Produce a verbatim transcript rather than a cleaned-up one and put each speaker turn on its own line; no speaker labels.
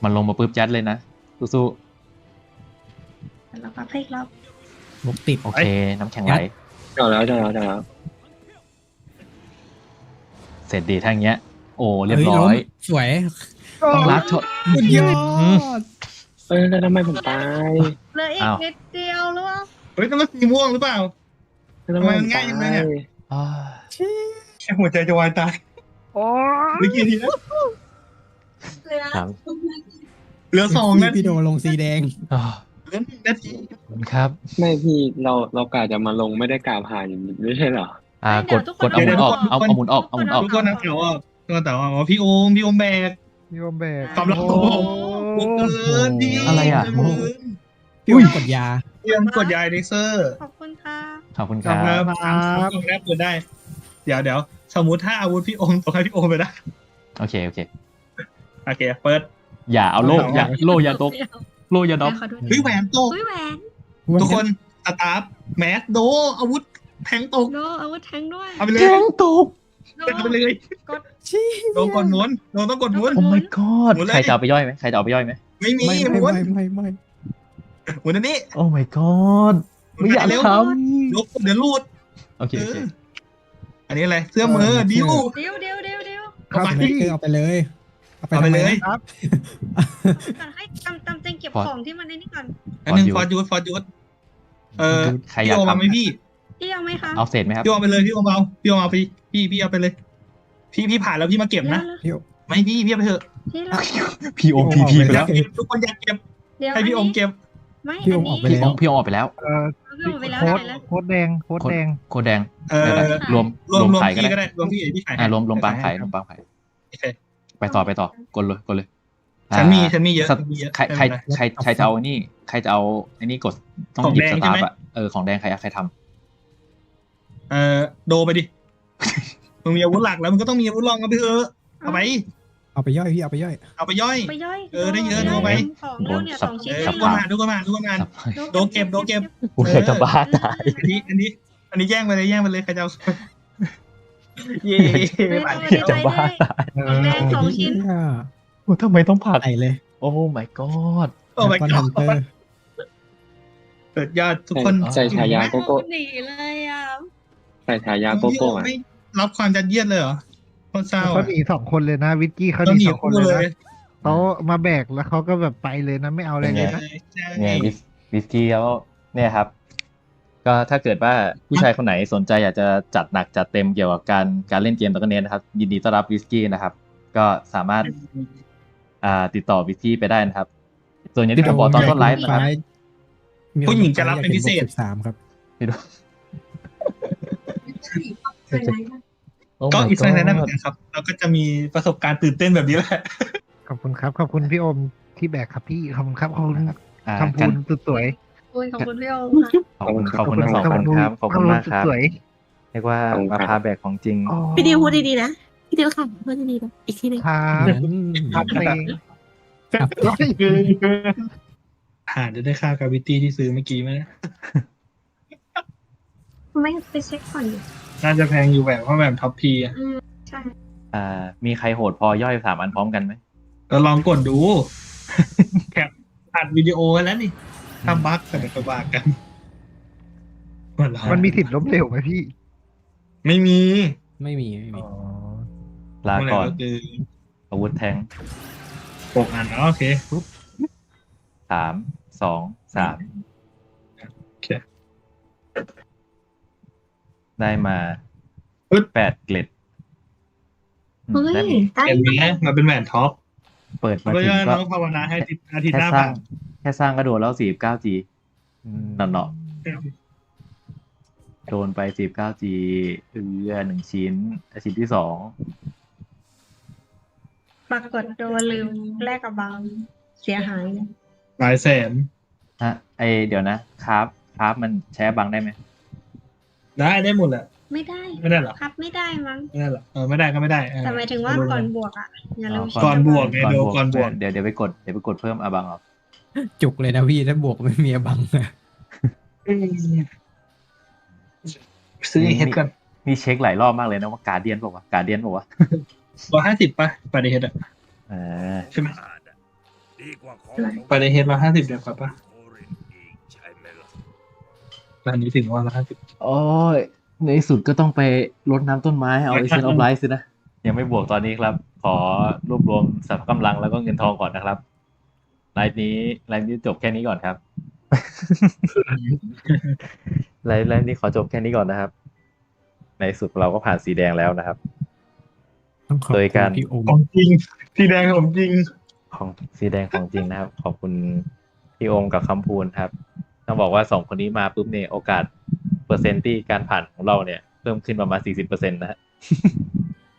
มันลงมาปุ๊บยัดเลยนะสู้
แล้วก็พลิกรอบ
บุกติด
ๆโอเค น้ำแข็งไหล
เจาะแล้วเจาะแล้วเจาะแล้ว
เสร็จดีทั้งเงี้ย โอ้เรียบร้อย
สวย
ต้องรัดชด
สุดยอด
เอ้ยแล้วทำไมผมตาย
เหลืออีก
อ้าว
นิดเดียวหรือเปล่า
เฮ้ยต้องเป็นสีม่วงหรือเปล่า
แล้วทำไมผม
ทำไมมันง่ายจังเลยเนี่ย
อ้าว
แค่หัวใจจะวายตาย
โอ้
เมื่อกี้ทีนะ
เหลือ
ครับ
เหลือสองนาที
พี่โดลงสีแดง
อ้าว
เหลือหนึ่งนาที
ขอบคุณครับ
ไม่พี่เราเรากะจะมาลงไม่ได้กะผ่านไม่ใช่เหรอ
อ่ากดกดเอาหมุนออกเอาเอาหมุนออกเอาหมุนออก
ทุกคนนะแต่ว่าทุกคนแต่ว่าอ๋อพี่โอมพี่โอมแบก
ยอมแบก
ความรักของผม บุกเกินดี
อะไรอ่ะ
บุก
พี่โอมกดยา
เตรียมกดยาเลเซอร์
ขอบคุณค่ะ
ขอบคุณค
ครั
รั
บบ ครับครับตรงนี้เปิดได้ เดี๋ยวเดี๋ยวสมมุติถ้าอาวุธพี่โอมตกให้พี่โอมไปได้
โอเคโอเค
โอเคเปิด
อย่าเอาโล่อย่าโล่อย่าตกโล่อย่าดรอป
ขอดู
เฮ้ยแหวนตก
เฮ้ยแหวน
ทุกคนสตาร์ฟแมสโดอาวุธแทงตก
โดอาวุธแทงด้วย
เอาไปเลย
แจ้งตก
โด
เอาไปเลย
กด
ชี้
โดนกดหมุนโดนต้องกดหมุน
โอ้ my god
หมุนเลย
ใครจะเอาไปย่อยไหมใครจะเอาไปย่อยไหม
ไม่มี
ไม่
ห
ไม่
มุน
ไม่ไม่ไม่
หมุนอันนี้
โอ้ my god ไม่อยาก
เร็ว
ท
ลบเดี๋ยวรูด
ำโอเคโอเค
อันนี้อะไรเสื้อมือดิว
เดี๋ยวเดี๋ยวเดี๋ยวเดี๋ยว
ครับ
เอาไป
พี่
เอาไปเลย เอาไป
เอาไปเลย
ทำมนะ
ก่อนให้ตำตำเจงเก็บของที่มันในนี้ก่อน
อันหนึ่งฟอร์จูดฟอร์จูดเออ
ใครอ
พี่
ยาก
โอมาไหม
ทำ
พี่
พี่เอาไหมคะ
เอาเศษไหมครับ
พี่โอมาไปเลยพี่โอมาเอาพี่โอมาเอาพี่พี่พี่เอาไปเลย พี่พี่ผ่านแล้วพี่มาเก็บนะ
พี่โอ
ไม่พี่พี่เอาไปเถอะ
พี่เรา
พี่โอมพีพีไป
อ
แล้
ยาว กเก็บทุกคนอยากเก็บ
เดี๋ยว
ให้พี่โอมเก็บ
ไม่
พี่โอ
อัน
มออก
นี้
ไป
พี่โอ
แล้ว
มพี่โอมออกไปแล้ว
เอ่อ
พี่โอมไปแล้ว
โค้ด
ไหนแล้ว
โค้ดแดงโค้ดแดง
โคแดง
เออ
รวม
รวม
รวม
รวม
ขายก็
พี่ก็
ได้
ได้รวมพี่พี่ขาย
อ่ารวมรวมปางขายรวมปางขาย
โอเค
ไปต่อไปต่อกดเลยกดเลย
ฉันมี
อ่า
ฉันมีเยอะ
สัก
ฉันมีเยอะ
ใครใคร
ไม่เป็นไร
ใครใครจะเอาไอ้นี่ใครจะเอาไอ้นี่กดต้อง
ของ
หยิบ
แดง
ส
ใช่
ตา
ไหม
ร์ฟอะเออของแดงใครใครท
เออโดไปดิ มึงมีอาวุธหลักแล้วมึงก็ต้องมีอาวุธรองกันไปเถอะเอาไป
เอาไปย่อยพี่เอาไปย่อย
เอาไปย่อย
ไปย่อย
เออได้เยอะ
โ
เอาไป
ของแล้วเนี่ยสองชิ้น
เออ
เอ
ทุ
ง
กคนมาทุกคนมาทุกคนมา
ำ
โดนเก็บโดนเก็บ
กูอยากจะบ้าตาย
อันนี้อันนี้ อันนี้แย่งไปเลยแย่งไปเลยใครจะเอาเย่
เฮ้ย
ไป
เอาไป
เดี๋ยว
ใจด้วยของแดงสองชิ้น
โอ้ทำไมต้องผัก
ใส่เลย
โอ้ my god
โอ้ my
แล้วก็
god
ฮันเตอร์
เกิดยอดทุกคน
ใส่ฉายาโกโก้
หนีเลยอ่ะ
ใส่ฉายาโกโก้อะ
ไม่รับความยัดเยียดเลยเหรอคนเศร้า
เขาหนีสองคนเลยนะ วิกกี้เขาห
ต้อง
นี
หนี
สองคน
คู่
เลย
เล
นะ
ย
เขามาแบกแล้วเขาก็แบบไปเลยนะไม่เอาอะไรเลยนะ
ใช่
เนี่ยวิสวิสกี้แล้วเนี่ยครับ ก็ถ้าเกิดว่าผู้ชายคนไหนสนใจอยากจะจัดหนักจัดเต็มเกี่ยวกับการการเล่นเกมตะกันเนนะครับ ยินดีต้อนรับวิสกี้นะครับ ก็สามารถอ่าติดต่อวิสกี้ไปได้นะครับ ส่วนอย่างที่ผมบอกตอนต้นไลฟ์นะครับ
ผู้หญิงจะรับเป็นพิเศษ
สามครับ
พี่ดู
ก็อีกสักนั้นเหมือนกันครับเราก็จะมีประสบการณ์ตื่นเต้นแบบนี้แหละ
ขอบคุณครับขอบคุณพี่โอมที่แบกครับพี่ขอบคุณครับขอบคุณ
อ่า
คำพู
กัน
นสุดสวย
ขอบคุณพี่โอมค่ะ
ขอบคุณขอบคุณทั้งสองคนครับขอบคุณมากครับ
สวย
เรียกว่ามาพาแบกของจริง
อ๋อ
พี่ดิวพูดดีๆนะพี่ดิวค่ะพูดดีๆนะอีกทีหนึง
ครับครับเพลง
หาจะได้ค่ากาวิตี้ที่ซื้อเมื่อกี้ไหมนะ
ไม่ไปเช็คก่อนดิ
น่าจะแพงอยู่แบบเพราะแบบท็อปพีอ่ะ
อืมใช่
อ่า มีใครโหดพอย่อยสามอันพร้อมกันไหม
ก็ลองกดดู แคปอัดวิดีโอไว้แล้วนี่ถ้าบั๊กก็เดี๋ยวไปว่ากัน
มันมีสิทธิ์ล้มเหลวไหมพี่
ไม่มี
ไม่มีไม่มี
ลาก่อน
คือ
อาวุธแทง
หกอันอ๋อโอเคปุ๊บ
สามสองสาม
โอเค
ได้มา
ปึ๊ด
แปดเกล็ดอืม
เฮ้ย
ได้
ได้
เห็นไหมมาเป็นแหวนท็อป
เปิดมา
เพราะ
ถึง
ว่า
ก็
น้องภาวนาให้อาทิตย์ห
แค่
น้า
สร้า
ผ่าง น
แค่สร้างก็โดนแล้วสี่สิบเก้าจีหนอเนาะโดนไปสี่สิบเก้าจีเออหนึ่งชิ้นชิ้นที่สอง
ปรากฏโดนลืมแลกกับบางเสียหาย
หลายแสน
ฮะไอเดี๋ยวนะครับครับมันแชร์บังได้ไหม
ได้ได้หมดแหละ
ไม่ได้
ไม่ได้หรอ
ครับไม่ได้มั้ง
ไม่ได้หรอเออไม่ได้ก็ไม่ได้เออ
แต่หมายถึงว่าก่อนบวกอ่ะอย่าลืม
ก่อนบวก ไง
ก่อน
โด
บวก
ก่อนบวก
เดี๋ยวเดี๋ยวไปกดเดี๋ยวไปกดเพิ่มอาบังออก
จุกเลยนะพี่ถ้าบวกไม่มีบังนะ
ซื้อเฮดกัน
มีเช็คหลายรอบมากเลยนะว่าการเดียนบอกว่าการเดียนบอกว่า
ร้อยห้าสิบป่ะปาริเฮดอ่ะ
เออ
ใช่ไหมไปในเฮดละห้าสิบเดียวครับป่ะร้านนี้ถึงว่าละห้าสิบ
โอ้ยในที่สุดก็ต้องไปรดน้ำต้นไม้เอาไอเซนออฟไลท์สินะ ยังไม่บวกตอนนี้ครับ ขอรวบรวมสรรพกำลังแล้วก็เงินทองก่อนนะครับไลฟ์นี้ไลฟ์นี้จบแค่นี้ก่อนครับ ไลฟ์ไลฟ์นี้ขอจบแค่นี้ก่อนนะครับ ในที่สุดเราก็ผ่านสีแดงแล้วนะครับ
ต้องขอบ
โดย
คุ
การ
ณพี่โอม
ของจริงสีแดงของจริง
ของสีแดงของจริงนะครับ ขอบคุณพี่โอมกับคำพูนครับต้องบอกว่าสองคนนี้มาปุ๊บเนี่ยโอกาสเปอร์เซ็นต์ที่การผ่านของเราเนี่ยเพิ่มขึ้นประมาณสี่สิบเปอร์เซ็นต์นะฮะ